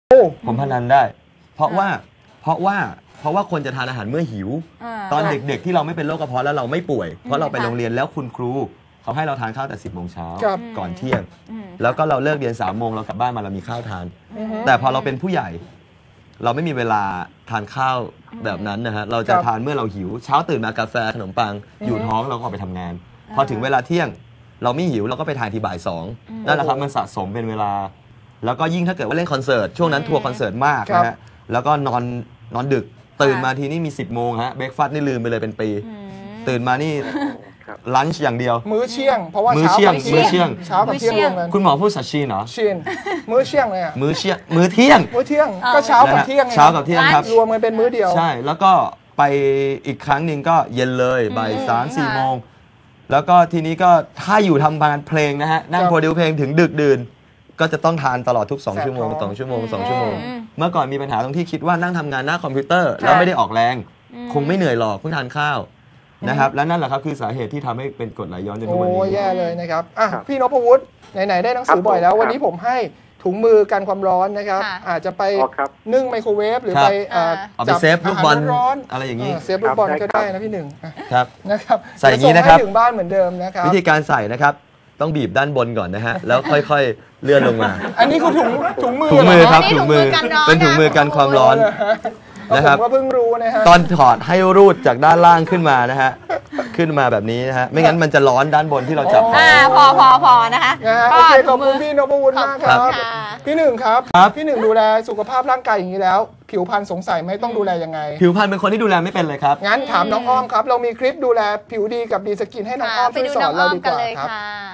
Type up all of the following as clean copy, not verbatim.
ผมพนันได้ เพราะว่าคนจะทานอาหารเมื่อหิวตอนเด็กๆที่เราไม่เป็นโรคกระเพาะแล้วเราไม่ป่วยเพราะเราไปโรงเรียนแล้วคุณครูเขาให้เราทานข้าวแต่10 โมงเช้าก่อนเที่ยงแล้วก็เราเลิกเรียน3 โมงเรากลับบ้านมาเรามีข้าวทานแต่พอเราเป็นผู้ใหญ่เราไม่มีเวลาทานข้าวแบบนั้นนะฮะเราจะทานเมื่อเราหิวเช้าตื่นมากาแฟขนมปังอยู่ท้องเราก็ออกไปทำงานพอถึงเวลาเที่ยงเราไม่หิวเราก็ไปทานทีบ่าย2นั่นแหละครับมันสะสมเป็นเวลาแล้วก็ยิ่งถ้าเกิดว่าเล่นคอนเสิร์ตช่วงนั้นทัวร์คอนเสิร์ตมากนะฮะแล้วก็นอนดึกตื่นมาทีนี่มี10 โมงฮะเบรกฟาสต์นี่ลืมไปเลยเป็นปีตื่นมานี่ลันช์อย่างเดียวมื้อเที่ยงเพราะว่าเช้ากับเที่ยงรวมกันคุณหมอพูดสัชชีเหรอชินมื้อเที่ยงเลยอ่ะมื้อเที่ยงก็เช้ากับเที่ยงเช้ากับเที่ยงครับรวมกันเป็นมื้อเดียวใช่แล้วก็ไปอีกครั้งหนึ่งก็เย็นเลยบ่าย3-4 โมงแล้วก็ทีนี้ก็ถ้าอยู่ทำงานเพลงนะฮะนั่งโปรดิวเพลงถึงดึกดื่นก็จะต้องทานตลอดทุก2 ชั่วโมง2 ชั่วโมง2 ชั่วโมงเมื่อก่อนมีปัญหาตรงที่คิดว่านั่งทำงานหน้าคอมพิวเตอร์แล้วไม่ได้ออกแรงคงไม่เหนื่อยหรอกเพิ่งทานข้าวนะครับและนั่นแหละครับคือสาเหตุที่ทำให้เป็นกรดไหลย้อนจนทุกวันนี้โอ้แย่เลยนะครับพี่นพวุฒิไหนๆได้หนังสือบ่อยแล้ววันนี้ผมให้ถุงมือกันความร้อนนะครับอาจจะไปนึ่งไมโครเวฟหรือไปจับเซฟลูกบอลอะไรอย่างนี้เซฟลูกบอลก็ได้นะพี่หนึ่งครับนะครับใส่อย่างนี้นะครับถึงบ้านเหมือนเดิมนะครับวิธีการใส่นะครับต้องบีบด้านบนก่อนนะฮะแล้วค่อยๆเลื่อนลงมาอันนี้คือถุงมือครับถุงมือเป็นถุงมือกันความร้อนนะครับผมก็เพิ่งรู้นะฮะตอนถอดให้รูดจากด้านล่างขึ้นมานะฮะขึ้นมาแบบนี้นะฮะไม่งั้นมันจะร้อนด้านบนที่เราจับพอนะคะโอเคขอบคุณพี่นพวุฒิมากครับพี่หนึ่งครับพี่หนึ่งดูแลสุขภาพร่างกายอย่างนี้แล้วผิวพรรณสงสัยไม่ต้องดูแลยังไงผิวพรรณเป็นคนที่ดูแลไม่เป็นเลยครับงั้นถามน้องอ้อมครับเรามีคลิปดูแลผิวดีกับดีสกินให้น้องอ้อมช่วยสอนเราดีกว่าครับ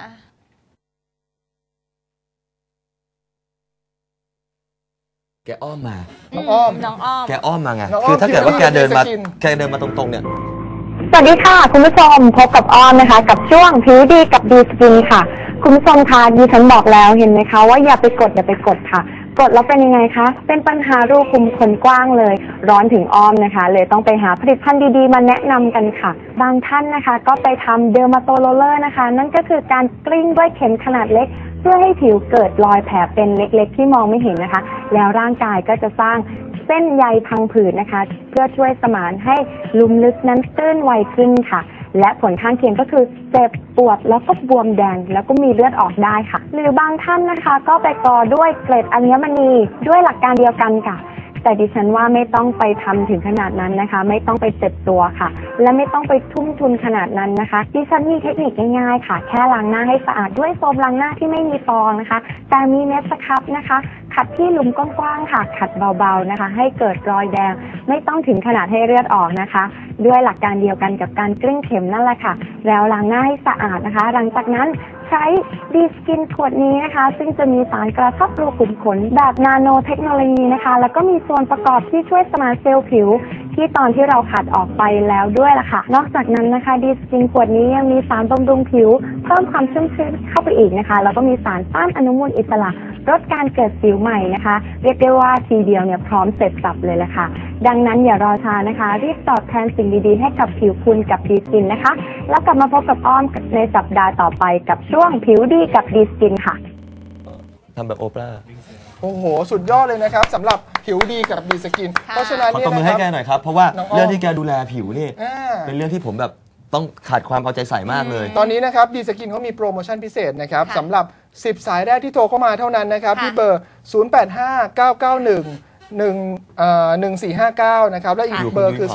แกอ้อมมาน้องอ้อมแกอ้อมมาไงคือถ้าเกิดว่าแกเดินมาตรงๆเนี่ยสวัสดีค่ะคุณผู้ชมพบกับอ้อมนะคะกับช่วงผิวดีกับดีสกินค่ะคุณผู้ชมคะดิฉันบอกแล้วเห็นไหมคะว่าอย่าไปกดค่ะกดแล้วเป็นยังไงคะเป็นปัญหารูขุมขนกว้างเลยร้อนถึงอ้อมนะคะเลยต้องไปหาผลิตภัณฑ์ดีๆมาแนะนำกันค่ะบางท่านนะคะก็ไปทำเดอร์มาโตโรเลอร์นะคะนั่นก็คือการกลิ้งด้วยเข็มขนาดเล็กเพื่อให้ผิวเกิดรอยแผลเป็นเล็กๆที่มองไม่เห็นนะคะแล้วร่างกายก็จะสร้างเส้นใยพังผืดนะคะเพื่อช่วยสมานให้ลุ่มลึกนั้นตื้นไวขึ้นค่ะและผลข้างเคียงก็คือเจ็บปวดแล้วก็บวมแดงแล้วก็มีเลือดออกได้ค่ะหรือบางท่านนะคะก็ไปกอด้วยเกล็ดอัญมณีด้วยหลักการเดียวกันค่ะแต่ดิฉันว่าไม่ต้องไปทำถึงขนาดนั้นนะคะไม่ต้องไปเจ็บตัวค่ะและไม่ต้องไปทุ่มทุนขนาดนั้นนะคะดิฉันมีเทคนิคง่ายๆค่ะแค่ล้างหน้าให้สะอาดด้วยโฟมล้างหน้าที่ไม่มีฟองนะคะแต่มีเม็ดสครับนะคะขัดที่หลุมกว้างๆค่ะขัดเบาๆนะคะให้เกิดรอยแดงไม่ต้องถึงขนาดให้เลือดออกนะคะด้วยหลักการเดียวกันกับการกลิ้งเข็มนั่นแหละค่ะแล้วล้างหน้าให้สะอาดนะคะหลังจากนั้นใช้ดีสกินขวดนี้นะคะซึ่งจะมีสารกระชับรูขุมขนแบบนาโนเทคโนโลยีนะคะแล้วก็มีส่วนประกอบที่ช่วยสมานเซลล์ผิวที่ตอนที่เราขัดออกไปแล้วด้วยล่ะค่ะนอกจากนั้นนะคะดีสกินขวดนี้ยังมีสารบำรุงผิวเพิ่มความชุ่มชื้นเข้าไปอีกนะคะแล้วก็มีสารต้านอนุมูลอิสระลดการเกิดสิวใหม่นะคะเรียกได้ว่าทีเดียวเนี่ยพร้อมเสร็จสับเลยแหละค่ะดังนั้นอย่ารอช้านะคะรีบตอบแทนสิ่งดีๆให้กับผิวคุณกับดีสกินนะคะแล้วกลับมาพบกับอ้อมในสัปดาห์ต่อไปกับช่วงผิวดีกับดีสกินค่ะทำแบบโอปราโอ้โหสุดยอดเลยนะครับสำหรับผิวดีกับดีสกินเพราะฉะนั้นขอตบมือให้แกหน่อยครับเพราะว่าเรื่องที่แกดูแลผิวนี่เป็นเรื่องที่ผมแบบต้องขาดความเอาใจใส่มากเลยตอนนี้นะครับดีสกินเขามีโปรโมชั่นพิเศษนะครับสำหรับ10 สายแรกที่โทรเข้ามาเท่านั้นนะครับที่เบอร์ 0859911459 นะครับและอีกเบอร์คือ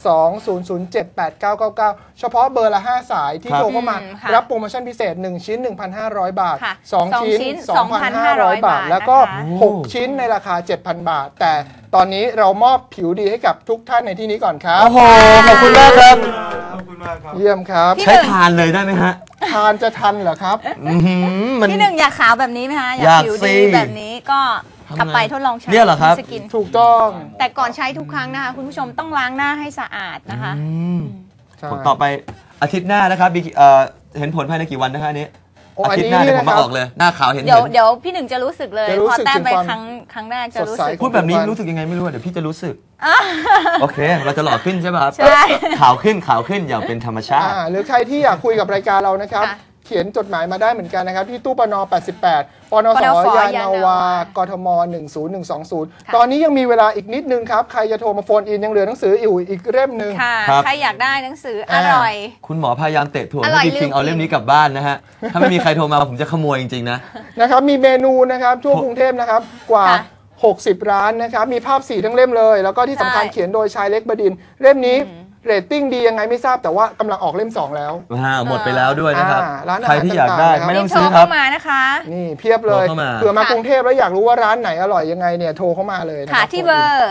0820078999 เฉพาะเบอร์ละ5 สายที่โทรเข้ามารับโปรโมชั่นพิเศษ1 ชิ้น 1,500 บาท2 ชิ้น 2,500 บาทแล้วก็6 ชิ้นในราคา 7,000 บาทแต่ตอนนี้เรามอบผิวดีให้กับทุกท่านในที่นี้ก่อนครับโอ้โหขอบคุณมากครับเยี่ยมครับใช้ทานเลยได้ไหมฮะทานจะทันเหรอครับพี่หนึ่งอยากขาวแบบนี้ไหมคะอยากผิวดีแบบนี้ก็กลับไปทดลองใช้สกินถูกต้องแต่ก่อนใช้ทุกครั้งนะคะคุณผู้ชมต้องล้างหน้าให้สะอาดนะคะผลต่อไปอาทิตย์หน้านะครับเห็นผลภายในกี่วันนะคะนี้อาทิตย์หน้าเดี๋ยวผมมาออกเลยหน้าขาวเห็นเดี๋ยวพี่หนึ่งจะรู้สึกเลยพอแต้มไปครั้งแรกจะรู้สึกพูดแบบนี้รู้สึกยังไงไม่รู้เดี๋ยวพี่จะรู้สึกโอเคเราจะหล่อขึ้นใช่ป่ะครับขาวขึ้นอย่างเป็นธรรมชาติหรือใครที่อยากคุยกับรายการเรานะครับเขียนจดหมายมาได้เหมือนกันนะครับที่ตู้ปน88ปนสยานาวากทม10120ตอนนี้ยังมีเวลาอีกนิดนึงครับใครจะโทรมาโฟนอินยังเหลือหนังสืออยู่อีกเล่มหนึ่งใครอยากได้หนังสืออร่อยคุณหมอพยายามเตะถ่วงให้พี่คิงเอาเล่มนี้กลับบ้านนะฮะถ้าไม่มีใครโทรมาผมจะขโมยจริงๆนะครับมีเมนูนะครับทั่วกรุงเทพนะครับกว่า60 ร้านนะครับมีภาพสีทั้งเล่มเลยแล้วก็ที่สำคัญเขียนโดยชายเล็กบดินทร์เล่มนี้เรตติ้งดียังไงไม่ทราบแต่ว่ากำลังออกเล่ม2แล้วหมดไปแล้วด้วยนะครับใครที่อยากได้ไม่ต้องซื้อครับมานะคะนี่เพียบเลยเผื่อมากรุงเทพแล้วอยากรู้ว่าร้านไหนอร่อยยังไงเนี่ยโทรเข้ามาเลยค่ะที่เบอร์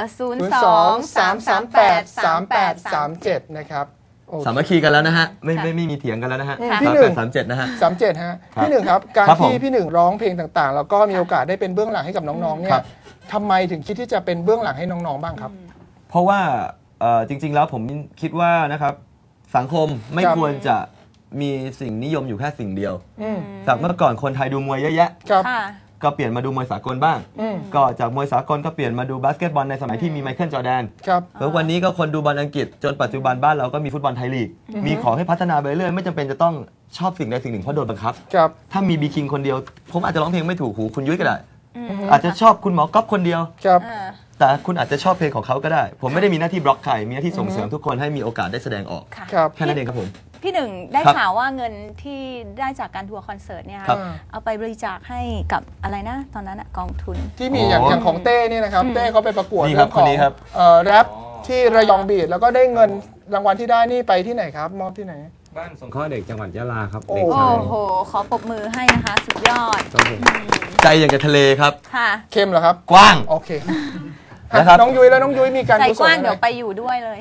02-338-3837นะครับสามัคคีกันแล้วนะฮะไม่มีเถียงกันแล้วนะฮะพี่หนึ่ง 37นะฮะ 37ฮะพี่หนึ่งครับการที่พี่หนึ่งร้องเพลงต่างๆแล้วก็มีโอกาสได้เป็นเบื้องหลังให้กับน้องๆเนี่ยทำไมถึงคิดที่จะเป็นเบื้องหลังให้น้องๆบ้างครับเพราะว่าจริงๆแล้วผมคิดว่านะครับสังคมไม่ควรจะมีสิ่งนิยมอยู่แค่สิ่งเดียวจากเมื่อก่อนคนไทยดูมวยเยอะแยะก็เปลี่ยนมาดูมวยสากลบ้างก็จากมวยสากลก็เปลี่ยนมาดูบาสเกตบอลในสมัยที่มีไมเคิลจอร์แดนแล้ววันนี้ก็คนดูบอลอังกฤษจนปัจจุบันบ้านเราก็มีฟุตบอลไทยลีกมีขอให้พัฒนาไปเรื่อยไม่จำเป็นจะต้องชอบสิ่งใดสิ่งหนึ่งเพราะโดนบังคับถ้ามีบีคิงคนเดียวผมอาจจะร้องเพลงไม่ถูกหูคุณยุ้ยก็ได้อาจจะชอบคุณหมอก๊อฟคนเดียวแต่คุณอาจจะชอบเพลงของเขาก็ได้ผมไม่ได้มีหน้าที่บล็อกใครมีหน้าที่ส่งเสริมทุกคนให้มีโอกาสได้แสดงออกแค่นั้นเองครับผมพี่หนึ่งได้ข่าวว่าเงินที่ได้จากการทัวร์คอนเสิร์ตเนี่ยเอาไปบริจาคให้กับอะไรนะตอนนั้นกองทุนที่มีอย่างของเต้นี่นะครับเต้เขาไปประกวดเรื่องของแรปที่ระยองบีทแล้วก็ได้เงินรางวัลที่ได้นี่ไปที่ไหนครับมอบที่ไหนบ้านสงเคราะห์เด็กจังหวัดยะลาครับโอ้โหขอปรบมือให้นะคะสุดยอดใจอย่างกับทะเลครับค่ะเข้มเหรอครับกว้างโอเคน้องยุ้ยแล้วน้องยุ้ยมีการกุศลใจกว้างเดี๋ยวไปอยู่ด้วยเลย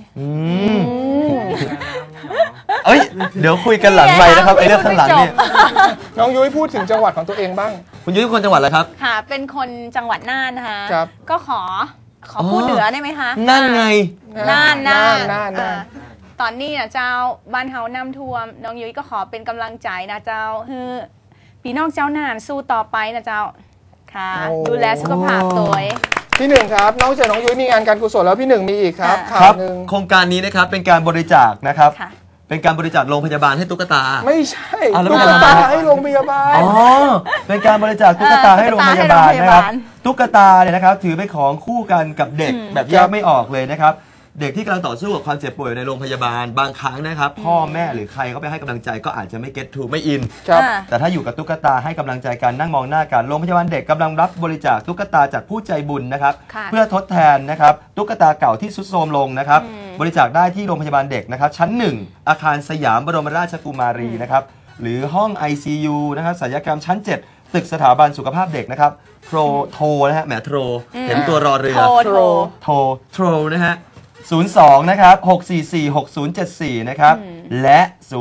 เดี๋ยวคุยกันหลังไมค์นะครับไอ้เรื่องข้างหลังเนี่ยน้องยุ้ยพูดถึงจังหวัดของตัวเองบ้างคุณยุ้ยเป็นคนจังหวัดอะไรครับค่ะเป็นคนจังหวัดน่านนะคะก็ขอพูดเหนือได้ไหมคะน่านไงน่านตอนนี้นะเจ้าบ้านเฮาน้ำท่วมน้องยุ้ยก็ขอเป็นกำลังใจนะเจ้าคือพี่น้องเจ้าน่านสู้ต่อไปนะเจ้าค่ะดูแลสุขภาพตัวพี่หนึ่งครับนอกจากน้องยุ้ยมีงานการกุศลแล้วพี่หนึ่งมีอีกครับโครงการนี้นะครับเป็นการบริจาคนะครับเป็นการบริจาคโรงพยาบาลให้ตุ๊กตาไม่ใช่ตุ๊กตาให้โรงพยาบาลเป็นการบริจาคตุ๊กตาให้โรงพยาบาลนะครับตุ๊กตาเนี่ยนะครับถือเป็นของคู่กันกับเด็กแบบแยกไม่ออกเลยนะครับเด็กที่กำลังต่อสู้กับความเจ็บป่วยในโรงพยาบาลบางครั้งนะครับพ่อแม่หรือใครเขาไปให้กำลังใจก็อาจจะไม่เก็ตทูไม่อินแต่ถ้าอยู่กับตุ๊กตาให้กำลังใจกันนั่งมองหน้ากันโรงพยาบาลเด็กกำลังรับบริจาคตุ๊กตาจากผู้ใจบุญนะครับเพื่อทดแทนนะครับตุ๊กตาเก่าที่ทรุดโทรมลงนะครับบริจาคได้ที่โรงพยาบาลเด็กนะครับชั้น1อาคารสยามบรมราชกุมารีนะครับหรือห้อง ICU นะครับศัลยกรรมชั้น7ตึกสถาบันสุขภาพเด็กนะครับโทรนะฮะแหมโทรเห็นตัวรอเรือโทรนะฮะ02นะครับ6446074นะครับและ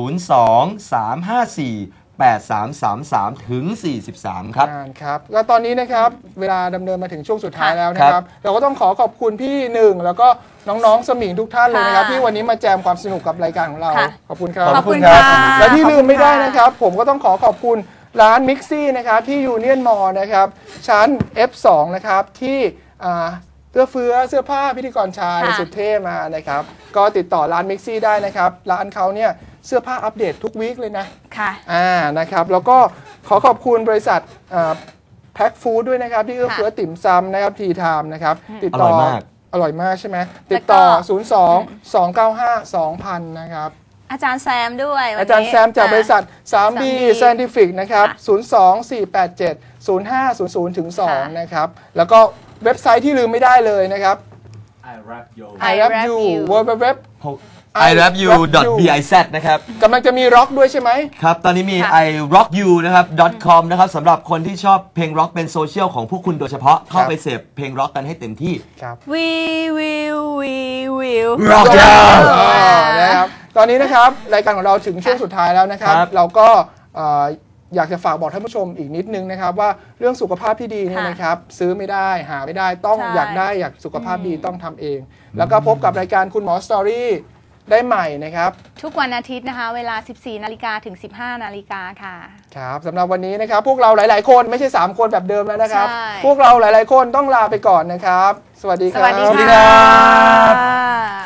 023548333ถึง43ครับครับแล้วตอนนี้นะครับเวลาดำเนินมาถึงช่วงสุดท้ายแล้วนะครับเราก็ต้องขอบคุณพี่หนึ่งแล้วก็น้องๆสมิงทุกท่านเลยนะครับที่วันนี้มาแจมความสนุกกับรายการของเราขอบคุณครับขอบคุณครับและที่ลืมไม่ได้นะครับผมก็ต้องขอบคุณร้านมิกซี่นะครับที่ยูเนียนมอลล์นะครับชั้น F2 นะครับที่เสื้อผ้าพิธีกรชายสุดเท่มานะครับก็ติดต่อร้านมิกซี่ได้นะครับร้านเขาเนี่ยเสื้อผ้าอัปเดตทุกวีคเลยนะค่ะนะครับแล้วก็ขอบคุณบริษัทแพ็คฟู้ดด้วยนะครับที่เอื้อเฟื้อติ่มซำนะครับทีไทม์นะครับติดต่ออร่อยมากใช่ไหมติดต่อ02-295-2000นะครับอาจารย์แซมด้วยอาจารย์แซมจากบริษัท 3B Scientific นะครับ024870500-2นะครับแล้วก็เว็บไซต์ที่ลืมไม่ได้เลยนะครับ I Rap You www irapyou.biz นะครับกำลังจะมีร็อกด้วยใช่ไหมครับตอนนี้มี irockyou นะครับ .com นะครับสำหรับคนที่ชอบเพลงร็อกเป็นโซเชียลของพวกคุณโดยเฉพาะเข้าไปเสพเพลงร็อกกันให้เต็มที่ครับ We will rock you นะครับตอนนี้นะครับรายการของเราถึงช่วงสุดท้ายแล้วนะครับเราก็อยากจะฝากบอกท่านผู้ชมอีกนิดนึงนะครับว่าเรื่องสุขภาพที่ดีนี่นะครับซื้อไม่ได้หาไม่ได้ต้องอยากสุขภาพดีต้องทำเองแล้วก็พบกับรายการคุณหมอสตอรี่ได้ใหม่นะครับทุกวันอาทิตย์นะคะเวลา 14 นาฬิกาถึง 15 นาฬิกาค่ะครับสำหรับวันนี้นะครับพวกเราหลายๆคนไม่ใช่3คนแบบเดิมแล้วนะครับพวกเราหลายๆคนต้องลาไปก่อนนะครับสวัสดีครับสวัสดีครับ